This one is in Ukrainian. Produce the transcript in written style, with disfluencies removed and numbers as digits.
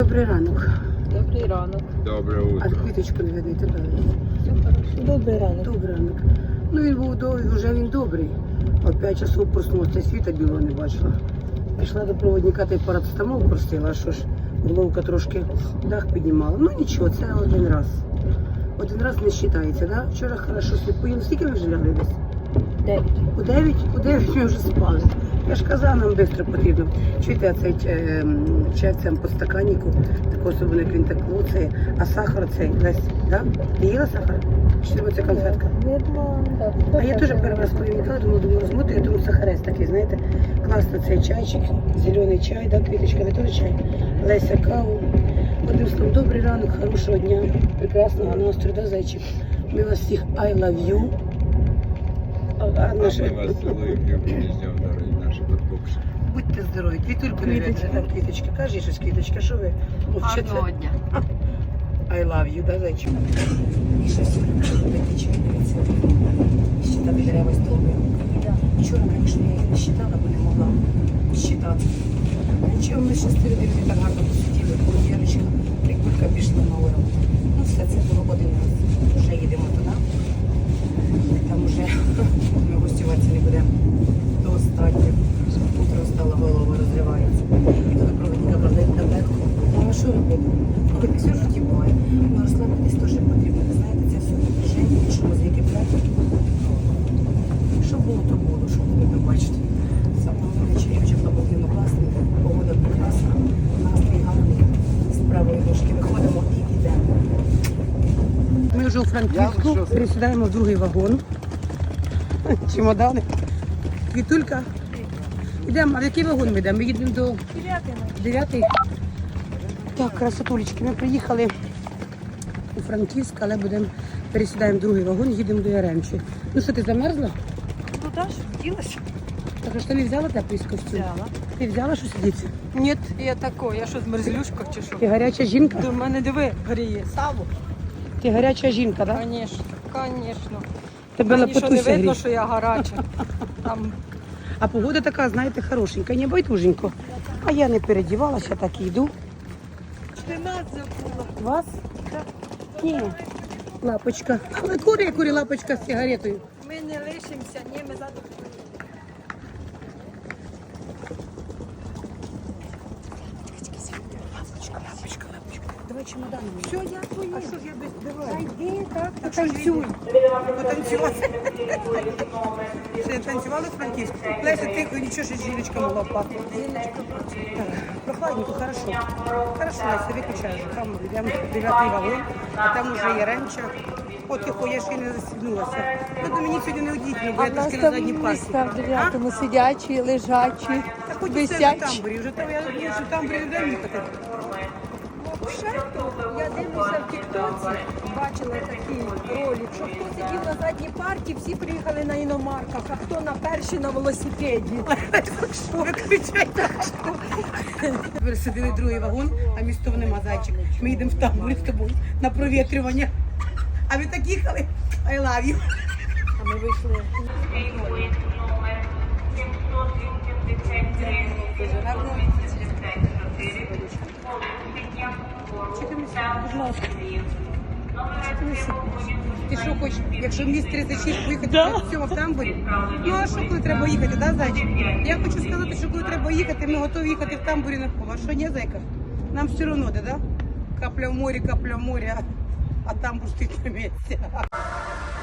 Добрий ранок. Добрий ранок. Доброе А утро. квіточку не видите, так? Все хорошо. Добрий ранок. Добрий ранок. Ну він був довгий, вже він добрий. О 5 часов проснувся, світа білого не бачила. Пішла до проводника, та й парацетамол простила, а що ж, головка трошки дах піднімала. Ну нічого, це один раз. Один раз не вважається, да? Вчора хорошо сліпоїли. Скільки ви вже лягли десь? 9. У 9? У 9 ми вже спали. Я ж казала, нам швидко потрібно. Чуєте, цей чай в цьому подстаканнику, так особливо, як він так луцає, а сахар цей, Лесь, да? Ти їла сахар? Чи тебе це конфетка? Видно. А я теж перший раз повідомляла, думаю, розмотую, я думаю, сахарець такий, знаєте, класно цей чайчик, зелений чай, да, квіточка, ви теж чай? Леся каву. Одним словом, добрий ранок, хорошого дня, прекрасного настрою, да, зайчик? Ми вас всіх I love you. А Мы наші... вас целуем, любим, и ждем, дорогие наши подпокши. Будьте здорові, квітульку квіточки. Так, квіточки, кажи щось, квіточка, що ви мовчите? Гарного дня. I love you, да, зайчик? Міша сьогодні пити чай, дивіться. Щитати дерева стовби. Вчора, звісно, я їх не щитала, бо не могла щитати. Нічого, ми ще з телевізором так гарно посиділи, Яночка, прикулька пішла на урок. Ну все, це було один раз. Вже їдемо туди. Там вже ми гостюватися не будемо. Достатньо. Утро стало, голова розривається. І коли проводника продають таблетку, ну а що робити? Хоч все в житті буває. Ну, Руслану десь теж потрібно. Ви знаєте, це все напряження, що мозги платять. Що було, то було, що було, ви бачите. Саме вечері вже побудемо класно, погода прекрасна, настрій гарний, з правої ножки виходимо і йдемо. Ми вже у Франківську пересідаємо в другий вагон. Чемодани. Квітулька. Йдемо, а в який вагон ми йдемо? Ми їдемо до 9-й. Так, красотулечки, ми приїхали у Франківськ, але пересідаємо в другий вагон, їдемо до Яремчі. Ну що, ти замерзла? Ну так, вділася. Так, а що не взяла теплий костюм? Взяла. Ти взяла щось сидіти? Ні, я тако, я що, змерзлюшка чи що? Ти гаряча жінка? До мене диви, гріє. Саву? Ти гаряча жінка, так? Да? Звісно, звісно. Тебе Мені що не лапотуся видно, гріє. що я гаряча. Там А погода така, знаєте, хорошенька, не байдуженько. А я не передівалася, так і йду. ти нас забула. Вас? Ні. Лапочка. Курі, лапочка з сигаретою. Ми не лишимося, ні, ми задоволені. Лапочка. Давай чемоданом. Все, я поїду. А що ж я без... Давай. Йди, так, Так що ж танцюй. Потанцювати. Ще не танцювали в Франківську? Леся, тихо, нічого, що жіночка могла впасти. Прохладненько, хорошо. Хорошо, Леся, виключай вже. Там йдемо 9-й вагон, а там уже Яремча. О, тихо, я ще й не застігнулася. Ну, до мені сьогодні не одітно, бо А я в нас трошки на там задній парті. місця в 9-му сидячі, лежачі, Так хоч і все в висячі. тамбурі. Вже там, я думаю, що в тамбурі не дай їхати. Я дивлюся в тіктоці, бачила такий ролик, що хто сидів на задній парті, всі приїхали на іномарках, а хто на першій на велосипеді. Виключайте. Пересадили другий вагон, а містов нема, зайчик. Ми їдемо в тамбурі з тобою на провітрювання. А ви так їхали? I love you. А ми вийшли. Дуже гарно. Будь ласка. Ти що хочеш, якщо мені з 36 поїхати в цьому в тамбурі? Ну а що, коли треба їхати, да, зайчик? Я хочу сказати, що коли треба їхати, ми готові їхати в тамбурі на поле. А що, ні, зайка? Нам все одно, да? Капля в морі, а тамбур стоїть на місці.